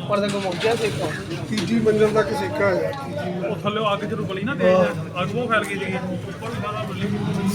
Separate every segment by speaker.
Speaker 1: ਉੱਪਰ ਤੱਕ ਪਹੁੰਚ ਗਿਆ ਸੇਕਾ।
Speaker 2: ਤੀਜੀ ਮੰਜ਼ਿਲ ਤੱਕ ਸੇਕਾ ਹੈ।
Speaker 3: ਉਹ ਥੱਲੇ ਅੱਗ ਜਦੋਂ ਬਲੀ ਨਾ ਤੇਜ਼ ਅੱਗ ਉਹ ਫੈਲ ਗਈ ਜੀ ਉੱਪਰ ਵੀ ਸਾਰਾ ਬਲੀ।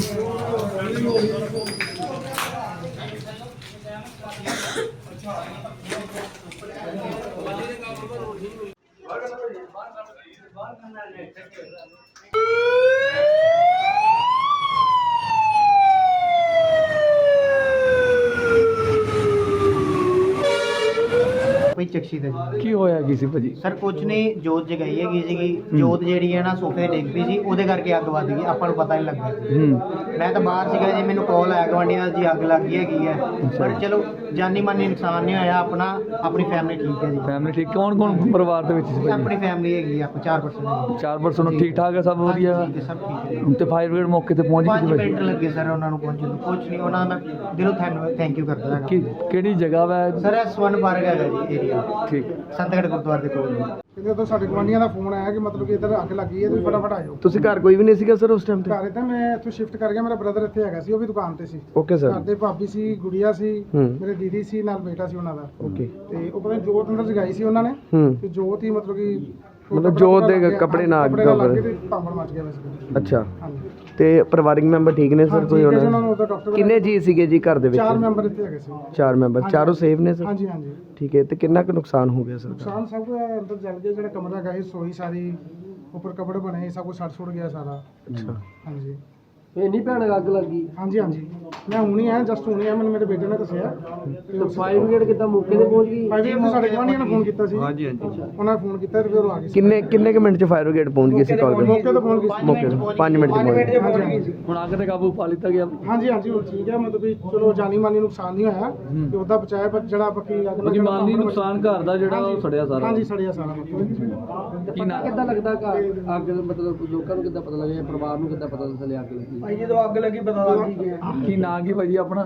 Speaker 4: ਕੋਈ ਚਕਸ਼ੀ ਦਾ ਜੀ
Speaker 5: ਕੀ ਹੋਇਆ ਕੀ ਸੀ ਭਾਜੀ?
Speaker 4: ਸਰ ਕੁਝ ਨਹੀਂ, ਜੋਤ ਜਗਾਈ ਹੈਗੀ ਸੀਗੀ। ਜੋਤ ਜਿਹੜੀ ਹੈ ਨਾ ਸੋਫੇ ਤੇ ਡਿੱਗ ਪਈ ਸੀ, ਉਹਦੇ ਕਰਕੇ ਅੱਗ ਵੱਧ ਗਈ। ਆਪਾਂ ਨੂੰ ਪਤਾ ਨਹੀਂ ਲੱਗਾ। ਮੈਂ ਤਾਂ ਬਾਹਰ ਸੀਗਾ ਜੀ, ਮੈਨੂੰ ਕਾਲ ਆਇਆ ਗਵਾਂਢੀਆਂ ਦਾ ਜੀ ਅੱਗ ਲੱਗ ਗਈ ਹੈਗੀ ਹੈ। ਪਰ ਚਲੋ ਜਾਨੀ ਮਾਨੀ ਨੁਕਸਾਨ ਨਹੀਂ ਹੋਇਆ। ਆਪਣੀ ਫੈਮਿਲੀ ਠੀਕ ਹੈ ਜੀ।
Speaker 5: ਫੈਮਿਲੀ ਠੀਕ? ਕੌਣ ਪਰਿਵਾਰ ਦੇ ਵਿੱਚ ਸੀ ਭਾਜੀ?
Speaker 4: ਆਪਣੀ ਫੈਮਿਲੀ ਹੈਗੀ, ਆਪਾਂ 4%
Speaker 5: 4% ਠੀਕ ਠਾਕ ਹੈ, ਸਭ ਵਧੀਆ?
Speaker 4: ਠੀਕ ਹੈ, ਸਭ ਠੀਕ ਹੈ।
Speaker 5: ਤੇ ਫਾਇਰ ਬ੍ਰਿਗੇਡ ਮੌਕੇ ਤੇ ਪਹੁੰਚ ਗਈ
Speaker 4: 5
Speaker 5: ਸੀ ਭਾਜੀ?
Speaker 4: ਮਿੰਟ ਲੱਗੇ ਸਰ ਉਹਨਾਂ ਨੂੰ ਪਹੁੰਚਣ ਨੂੰ। ਕੁਝ ਨਹੀਂ, ਉਹਨਾਂ ਦਾ ਦਿਲੋਂ ਥੈਂਕ ਯੂ ਕਰਦਾ ਹੈਗਾ।
Speaker 5: ਕਿਹੜੀ ਜਗ੍ਹਾ ਵਾ?
Speaker 4: ਸਰ ਇਹ ਸਵਰਨ ਪਾਰਕ ਹੈਗਾ ਜੀ ਏਰੀਆ,
Speaker 5: ਠੀਕ।
Speaker 4: ਸੰਤਗੜ੍ਹ ਗੁਰਦੁਆਰੇ ਦੇ ਕੋਲ ਜੀ।
Speaker 2: ਕਿਤੇ ਤੋਂ ਸਾਡੇ ਗੁਆਂਢੀਆਂ ਦਾ ਫੋਨ ਆਇਆ ਕਿ ਮਤਲਬ ਕਿ ਇੱਧਰ ਅੱਗ ਲੱਗੀ ਹੈ, ਤੁਸੀਂ ਫਟਾਫਟ ਆਇਓ।
Speaker 5: ਤੁਸੀਂ ਘਰ ਕੋਈ ਵੀ ਨਹੀਂ ਸੀਗਾ ਸਰ ਉਸ ਟਾਈਮ ਤੇ?
Speaker 2: ਘਰ ਤਾਂ ਮੈਂ ਇੱਥੋਂ ਸ਼ਿਫਟ ਕਰ ਗਿਆ, ਮੇਰਾ ਬ੍ਰਦਰ ਇੱਥੇ ਹੈਗਾ ਸੀ, ਉਹ ਵੀ ਦੁਕਾਨ ਤੇ ਸੀ।
Speaker 5: Okay sir.
Speaker 2: ਘਰ ਦੇ ਭਾਬੀ ਸੀ, ਗੁੜੀਆ ਸੀ, ਮੇਰੇ ਦੀਦੀ ਸੀ, ਨਾਲ ਬੇਟਾ ਸੀ ਉਹਨਾਂ ਦਾ।
Speaker 5: ਓਕੇ।
Speaker 2: ਤੇ ਉਹ ਪਤਾ ਨੀ ਜੋਤ ਅੰਦਰ ਜਗਾਈ ਸੀ ਉਹਨਾਂ ਨੇ, ਤੇ ਜੋਤ ਹੀ ਮਤਲਬ ਕਿ
Speaker 5: ਜੋਤ ਦੇ ਕੱਪੜੇ ਨਾਲ ਅੱਗ
Speaker 2: ਲੱਗ ਗਏ, ਭਾਂਬੜ ਮੱਚ ਗਿਆ ਵੈਸੇ।
Speaker 5: ਅੱਛਾ।
Speaker 2: ਹਾਂਜੀ।
Speaker 5: ਤੇ ਪਰਿਵਾਰਿਕ ਮੈਂਬਰ ਠੀਕ ਨੇ ਸਰ? ਕੋਈ
Speaker 2: ਉਹਨਾਂ ਨੂੰ ਉਹਦਾ ਡਾਕਟਰ
Speaker 5: ਕਿੰਨੇ ਜੀ ਸੀਗੇ ਜੀ ਘਰ ਦੇ ਵਿੱਚ?
Speaker 2: 4 ਮੈਂਬਰ ਇੱਥੇ ਹੈਗੇ ਸੀ।
Speaker 5: 4 ਮੈਂਬਰ, ਚਾਰੋਂ ਸੇਫ ਨੇ ਸਰ?
Speaker 2: ਹਾਂਜੀ ਹਾਂਜੀ।
Speaker 5: ਠੀਕ ਹੈ। ਤੇ ਕਿੰਨਾ ਕੁ ਨੁਕਸਾਨ ਹੋ ਗਿਆ ਸਰ?
Speaker 2: ਨੁਕਸਾਨ ਸਭ ਕੁਝ ਅੰਦਰ ਜਲ ਗਿਆ। ਜਿਹੜਾ ਕਮਰਾ ਹੈਗਾ ਸੀ, ਰਸੋਈ ਸਾਰੀ, ਉੱਪਰ ਕੱਪੜੇ ਬਣੇ, ਸਭ ਕੁਝ ਸੜ ਸੁੜ ਗਿਆ ਸਾਰਾ।
Speaker 5: ਅੱਛਾ।
Speaker 2: ਹਾਂਜੀ।
Speaker 1: ਇੰਨੀ ਭਿਆਨਕ ਅੱਗ ਲੱਗੀ।
Speaker 2: ਹਾਂਜੀ ਹਾਂਜੀ, ਮੈਂ ਹੁਣੀ ਆਇਆ, ਜਸਟ ਹੁਣੀ ਆਇਆ, ਮੈਨੂੰ ਮੇਰੇ ਬੇਟੇ ਨੇ ਦੱਸਿਆ।
Speaker 1: ਤੇ ਫਾਇਰ ਬ੍ਰਿਗੇਡ ਕਿੱਦਾਂ ਮੌਕੇ ਤੇ ਪਹੁੰਚ ਗਈ?
Speaker 2: ਭਾਈ ਜੀ ਸਾਡੇ ਗੁਆਂਢੀਆਂ ਨੇ ਫੋਨ ਕੀਤਾ ਸੀ। ਹਾਂਜੀ ਹਾਂਜੀ, ਉਹਨਾਂ ਨੇ ਫੋਨ ਕੀਤਾ ਤੇ ਫਿਰ ਉਹ ਆ ਗਏ ਸੀ।
Speaker 5: ਕਿੰਨੇ ਕੁ ਮਿੰਟ ਚ ਫਾਇਰ ਬ੍ਰਿਗੇਡ ਪਹੁੰਚ ਗਈ ਸੀ ਕਾਲ ਤੇ?
Speaker 2: ਮੌਕੇ ਤੇ ਪਹੁੰਚ ਗਏ ਸੀ।
Speaker 5: ਮੌਕੇ 5 ਮਿੰਟ ਚ ਪਹੁੰਚ ਗਈ।
Speaker 1: ਹੁਣ ਅੱਗ ਤੇ ਕਾਬੂ ਪਾ ਲਿੱਤਾ ਗਿਆ।
Speaker 2: ਹਾਂਜੀ ਹਾਂਜੀ, ਉਹ ਠੀਕ ਹੈ, ਮਤਲਬ ਵੀ ਚਲੋ ਜਾਨੀ ਮਾਨੀ ਨੁਕਸਾਨ ਨਹੀਂ ਹੋਇਆ ਤੇ ਉਹਦਾ ਬਚਾਇਆ, ਪਰ ਜਿਹੜਾ ਬਾਕੀ
Speaker 1: ਬਾਕੀ ਮਾਲੀ ਨੁਕਸਾਨ ਘਰ ਦਾ ਜਿਹੜਾ ਉਹ ਸੜਿਆ ਸਾਰਾ।
Speaker 2: ਹਾਂਜੀ, ਸੜਿਆ ਸਾਰਾ ਮਤਲਬ।
Speaker 1: ਕੀ ਨਾ ਕਿੱਦਾਂ ਲੱਗਦਾ ਅੱਗ ਮਤਲਬ ਲੋਕਾਂ ਨੂੰ ਕਿੱਦਾਂ ਪਤਾ ਲੱਗਿਆ, ਪਰਿਵਾਰ ਨੂੰ ਕਿੱਦਾਂ ਪਤਾ ਚੱਲਿਆ ਅੱਗ ਲੱਗੀ?
Speaker 4: ਭਾਈ ਜਦੋਂ ਅੱਗ ਲੱਗੀ ਪਤਾ ਲੱਗ ਗਿਆ।
Speaker 5: ਕੀ ਨਾਂ ਕੀ ਭਾਜੀ ਆਪਣਾ?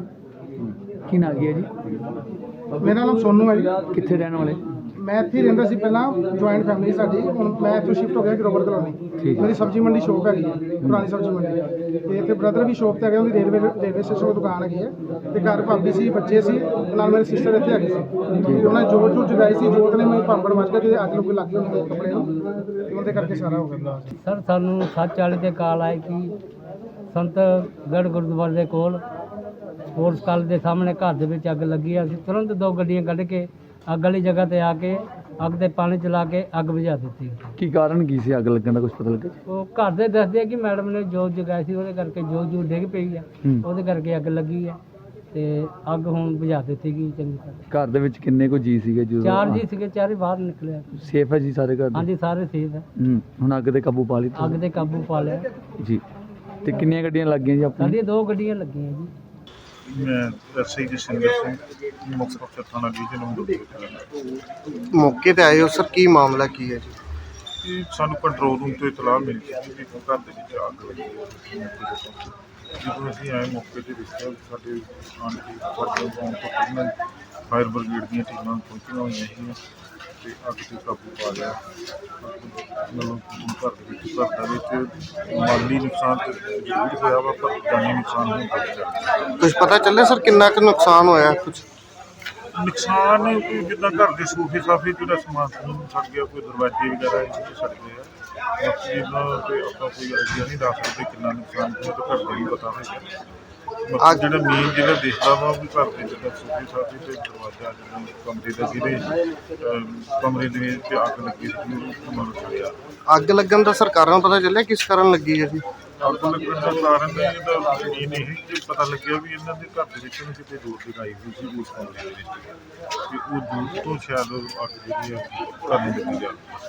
Speaker 5: ਕੀ ਨਾਂ ਕੀ ਹੈ ਜੀ?
Speaker 2: ਮੇਰਾ ਨਾਮ ਸੋਨੂ ਹੈ ਜੀ।
Speaker 5: ਕਿੱਥੇ ਰਹਿਣ ਵਾਲੇ?
Speaker 2: ਮੈਂ ਇੱਥੇ ਹੀ ਰਹਿੰਦਾ ਸੀ ਪਹਿਲਾਂ, ਜੁਆਇੰਟ ਫੈਮਿਲੀ ਸਾਡੀ। ਹੁਣ ਮੈਂ ਇੱਥੋਂ ਸ਼ਿਫਟ ਹੋ ਗਿਆ ਗਰੋਵਰ ਕਲੋਨੀ। ਮੇਰੀ ਸਬਜ਼ੀ ਮੰਡੀ ਸ਼ੋਪ ਹੈਗੀ ਹੈ, ਪੁਰਾਣੀ ਸਬਜ਼ੀ ਮੰਡੀ। ਤੇ ਇੱਥੇ ਬ੍ਰਦਰ ਵੀ ਸ਼ੋਪ ਤੇ ਹੈਗਾ, ਉਹਦੀ ਰੇਲਵੇ ਸਟੇਸ਼ਨ 'ਤੇ ਦੁਕਾਨ ਹੈਗੀ ਹੈ। ਤੇ ਘਰ ਭਾਬੀ ਸੀ, ਬੱਚੇ ਸੀ, ਨਾਲ ਮੇਰੀ ਸਿਸਟਰ ਇੱਥੇ ਹੈਗੀ ਸੀ। ਤੇ ਉਹਨਾਂ ਜੋਤ ਜਗਾਈ ਸੀ, ਜੋਤ ਨੇ ਮੈਨੂੰ ਭਾਂਬੜ ਮੱਚ ਗਿਆ ਤੇ ਅੱਗ ਲੁੱਗ ਲੱਗ ਗਈ ਉਹਨਾਂ ਦੇ ਕੱਪੜੇ ਨੂੰ, ਤੇ ਉਹਦੇ ਕਰਕੇ ਸਾਰਾ ਹੋ ਗਿਆ।
Speaker 6: ਸਰ ਸਾਨੂੰ 7:40 ਤੇ ਕਾਲ ਆਈ ਕਿ ਸੰਤਗੜ੍ਹ ਗੁਰਦੁਆਰੇ ਦੇ ਕੋਲ ਸਪੋਰਟਸ ਕਾਲਜ ਦੇ ਸਾਹਮਣੇ ਘਰ ਦੇ ਵਿੱਚ ਅੱਗ ਲੱਗੀ ਹੈ। ਅਸੀਂ ਤੁਰੰਤ 2 ਗੱਡੀਆਂ ਕੱਢ ਕੇ ਅੱਗ ਵਾਲੀ ਜਗ੍ਹਾ ਤੇ ਆ ਕੇ ਅੱਗ ਤੇ ਪਾਣੀ ਚਲਾ ਕੇ ਅੱਗ ਬੁਝਾ ਦਿੱਤੀ।
Speaker 5: ਕੀ ਕਾਰਨ ਕੀ ਸੀ ਅੱਗ ਲੱਗਣ ਦਾ, ਕੁਝ ਪਤਾ ਲੱਗਾ?
Speaker 6: ਉਹ ਘਰ ਦੇ ਦੱਸਦੇ ਆ ਕਿ ਮੈਡਮ ਨੇ ਜੋਤ ਜਗਾਈ ਸੀ, ਉਹਦੇ ਕਰਕੇ ਜੋਤ ਡਿੱਗ ਪਈ ਆ, ਉਹਦੇ ਕਰਕੇ ਅੱਗ ਲੱਗੀ ਹੈ। ਤੇ ਅੱਗ ਹੁਣ ਬੁਝਾ ਦਿੱਤੀ ਗਈ ਚੰਗੀ ਤਰ੍ਹਾਂ।
Speaker 5: ਘਰ ਦੇ ਵਿੱਚ ਕਿੰਨੇ ਕੁ ਜੀ ਸੀਗੇ ਜਦੋਂ?
Speaker 6: 4 ਜੀ ਸੀਗੇ, 4 ਬਾਹਰ ਨਿਕਲੇ।
Speaker 5: ਸੇਫ ਹੈ ਜੀ ਸਾਰੇ ਘਰ ਦੇ?
Speaker 6: ਹਾਂਜੀ, ਸਾਰੇ ਸੇਫ ਹੈ।
Speaker 5: ਹੁਣ ਅੱਗ ਤੇ ਕਾਬੂ ਪਾ ਲਿੱਤਾ
Speaker 6: ਅੱਗ ਤੇ ਕਾਬੂ ਪਾ ਲਿਆ
Speaker 5: ਜੀ। ਤੇ ਕਿੰਨੀਆਂ ਗੱਡੀਆਂ ਲੱਗ ਗਈਆਂ ਜੀ ਆਪਣੀਆਂ?
Speaker 6: ਸਾਡੀਆਂ 2 ਗੱਡੀਆਂ ਲੱਗੀਆਂ ਜੀ।
Speaker 3: ਮੈਂ ਐਸਆਈ ਜਸਿੰਦਰ ਸਿੰਘ, ਮੁਕਤਸਰ ਅਫਸਰ ਥਾਣਾ ਡਿਵੀਜ਼ਨ ਨੰਬਰ।
Speaker 7: ਮੌਕੇ ਤੇ ਆਏ ਹੋ ਸਰ, ਕੀ ਮਾਮਲਾ ਕੀ ਹੈ ਜੀ?
Speaker 3: ਇਹ ਸਾਨੂੰ ਕੰਟਰੋਲ ਰੂਮ ਤੋਂ ਇਤਲਾਹ ਮਿਲੀ ਸੀ ਕਿ ਘਰ ਦੇ ਵਿੱਚ ਅੱਗ ਲੱਗੀ ਹੈ। ਜਦੋਂ ਅਸੀਂ ਆਏ ਮੌਕੇ ਤੇ ਦੇਖਿਆ, ਸਾਡੇ ਆਂਟੀ ਫਾਟਕ ਤੋਂ ਪਹਿਲਾਂ ਫਾਇਰ ਬ੍ਰਿਗੇਡ ਦੀਆਂ ਟੀਮਾਂ ਪਹੁੰਚੀਆਂ ਹੋਈਆਂ ਸੀ ਤੇ ਅੱਗ ਤੇ ਕਾਬੂ ਪਾ ਲਿਆ। ਮਤਲਬ ਘਰ ਦੇ ਵਿੱਚ ਮਾਲੀ ਨੁਕਸਾਨ ਤਾਂ ਜ਼ਰੂਰ ਹੋਇਆ ਵਾ, ਪਰ ਜਾਨੀ ਨੁਕਸਾਨ ਨਹੀਂ ਹੋਇਆ।
Speaker 7: ਕੁਝ ਪਤਾ ਚੱਲਿਆ ਸਰ ਕਿੰਨਾ ਕੁ ਨੁਕਸਾਨ ਹੋਇਆ? ਕੁਝ
Speaker 3: ਨੁਕਸਾਨ ਕੋਈ ਜਿੱਦਾਂ ਘਰ ਦੇ ਸੋਫੇ ਸਾਫੇ ਜਿਹੜਾ ਸਮਾਨ ਸੜ ਗਿਆ, ਕੋਈ ਦਰਵਾਜ਼ੇ ਵਗੈਰਾ ਸੜ ਗਏ ਆ। ਬਾਕੀ ਇਹਨਾਂ ਤੇ ਆਪਾਂ ਕੋਈ ਆਈਡੀਆ ਨਹੀਂ ਦੱਸ ਸਕਦੇ ਕਿੰਨਾ ਨੁਕਸਾਨ ਹੋਇਆ, ਤਾਂ ਘਰ ਦੇ ਨੂੰ ਪਤਾ ਹੋਏਗਾ। ਬਾਕੀ ਜਿਹੜਾ ਮੇਨ ਜਿਹੜਾ ਦੇਖਦਾ ਵਾ ਵੀ ਘਰ ਦੇ ਜਿੱਦਾਂ ਸੋਫੇ ਸਾਫੇ ਤੇ ਦਰਵਾਜ਼ਾ ਜਿਹੜਾ ਕਮਰੇ ਦਾ ਜਿਹਦੇ ਕਮਰੇ ਦੇ ਵਿੱਚ ਅੱਗ ਲੱਗੀ ਸੀ, ਉਹ ਮਤਲਬ ਸੜਿਆ।
Speaker 7: ਅੱਗ ਲੱਗਣ ਦਾ ਸਰਕਾਰਾਂ ਨੂੰ ਪਤਾ ਚੱਲਿਆ ਕਿਸ ਕਾਰਨ ਲੱਗੀ ਹੈ ਜੀ?
Speaker 3: ਅੱਗ ਲੱਗਣ ਦਾ ਕਾਰਨ ਇਹਦਾ ਮੇਨ ਇਹ ਕਿ ਪਤਾ ਲੱਗਿਆ ਵੀ ਇਹਨਾਂ ਦੇ ਘਰ ਦੇ ਵਿੱਚ ਕਿਤੇ ਜੋਤ ਜਗਾਈ ਹੋਈ ਸੀ ਉਸ ਕਮਰੇ ਦੇ ਵਿੱਚ, ਤੇ ਉਹ ਜੋਤ ਤੋਂ ਸ਼ਾਇਦ ਅੱਗ ਜਿਹੜੀ ਆ ਘਰ ਨੂੰ ਲੱਗੀ ਜਾ।